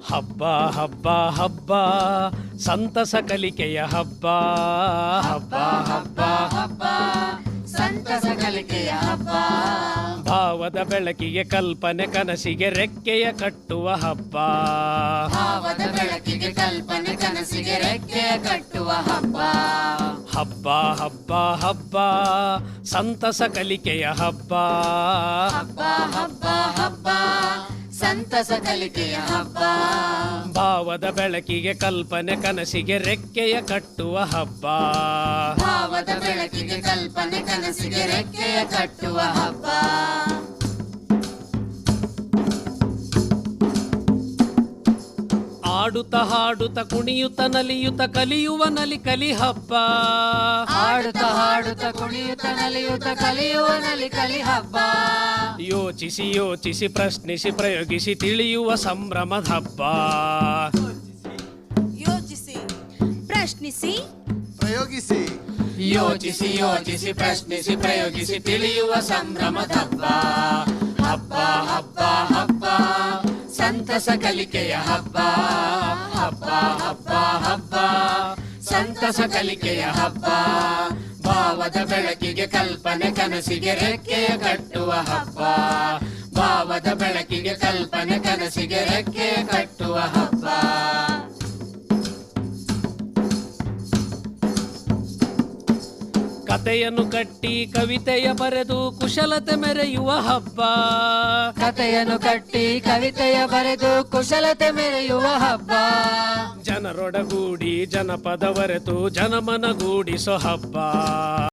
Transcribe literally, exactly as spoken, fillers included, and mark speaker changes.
Speaker 1: ಹಬ್ಬ ಹಬ್ಬ ಹಬ್ಬ ಸಂತಸ ಕಲಿಕೆಯ ಹಬ್ಬ. ಹಬ್ಬ ಹಬ್ಬ
Speaker 2: ಹಬ್ಬ ಸಂತಸ ಕಲಿಕೆಯ ಹಬ್ಬ.
Speaker 1: ಭಾವದ ಬೆಳಕಿಗೆ ಕಲ್ಪನೆ ಕನಸಿಗೆ ರೆಕ್ಕೆಯ ಕಟ್ಟುವ ಹಬ್ಬ.
Speaker 2: ಭಾವದ ಬೆಳಕಿಗೆ ಕಲ್ಪನೆ ಕನಸಿಗೆ ರೆಕ್ಕೆಯ ಕಟ್ಟುವ ಹಬ್ಬ.
Speaker 1: ಹಬ್ಬ ಹಬ್ಬ ಹಬ್ಬ ಸಂತಸ ಕಲಿಕೆಯ ಹಬ್ಬ.
Speaker 2: ಹಬ್ಬ ಹಬ್ಬ ಹಬ್ಬ ಸಂತಸ ಕಲಿಕೆಯ ಹಬ್ಬ.
Speaker 1: ಭಾವದ ಬೆಳಕಿಗೆ ಕಲ್ಪನೆ ಕನಸಿಗೆ ರೆಕ್ಕೆಯ ಕಟ್ಟುವ ಹಬ್ಬ.
Speaker 2: ಭಾವದ ಬೆಳಕಿಗೆ ಕಲ್ಪನೆ ಕನಸಿಗೆ ರೆಕ್ಕೆಯ ಕಟ್ಟುವ ಹಬ್ಬ.
Speaker 1: ಆಡುತ್ತ ಹಾಡುತ್ತ ಕುಣಿಯುತ್ತ ನಲಿಯುತ್ತ ಕಲಿಯುವ ನಲಿ ಕಲಿ ಹಬ್ಬ.
Speaker 2: ಆಡುತ್ತ ಹಾಡುತ್ತ ಕುಣಿಯುತ್ತ ನಲಿಯುತ್ತ ಕಲಿಯುವ ನಲಿ ಕಲಿ ಹಬ್ಬ.
Speaker 1: ಯೋಚಿಸಿ ಯೋಚಿಸಿ ಪ್ರಶ್ನಿಸಿ ಪ್ರಯೋಗಿಸಿ ತಿಳಿಯುವ ಸಂಭ್ರಮದ ಹಬ್ಬ.
Speaker 3: ಯೋಚಿಸಿ ಪ್ರಶ್ನಿಸಿ
Speaker 4: ಪ್ರಯೋಗಿಸಿ
Speaker 2: ಯೋಚಿಸಿ ಯೋಚಿಸಿ ಪ್ರಶ್ನಿಸಿ ಪ್ರಯೋಗಿಸಿ ತಿಳಿಯುವ ಸಂಭ್ರಮದ ಹಬ್ಬ. ಹಬ್ಬ ಹಬ್ಬ ಹಬ್ಬ ಸಂತಸ ಕಲಿಕೆಯ ಹಬ್ಬ. ಹಬ್ಬ ಹಬ್ಬ ಹಬ್ಬ ಸಂತಸ ಕಲಿಕೆಯ ಹಬ್ಬ. ಭಾವದ ಬೆಳಕಿಗೆ ಕಲ್ಪನೆ ಕನಸಿಗೆ ರೆಕ್ಕೆಯ ಕಟ್ಟುವ ಹಬ್ಬ. ಭಾವದ ಬೆಳಕಿಗೆ ಕಲ್ಪನೆ ಕನಸಿಗೆ ರೆಕ್ಕೆಯ ಕಟ್ಟುವ ಹಬ್ಬ.
Speaker 1: ಕತೆಯನ್ನು ಕಟ್ಟಿ ಕವಿತೆಯ ಬರೆದು ಕುಶಲತೆ ಮೆರೆಯುವ ಹಬ್ಬ.
Speaker 2: ಕತೆಯನ್ನು ಕಟ್ಟಿ ಕವಿತೆಯ ಬರೆದು ಕುಶಲತೆ ಮೆರೆಯುವ ಹಬ್ಬ.
Speaker 1: ಜನರೊಡಗೂಡಿ ಜನಪದ ಬರೆತು ಜನಮನಗೂಡಿಸೋ ಹಬ್ಬ.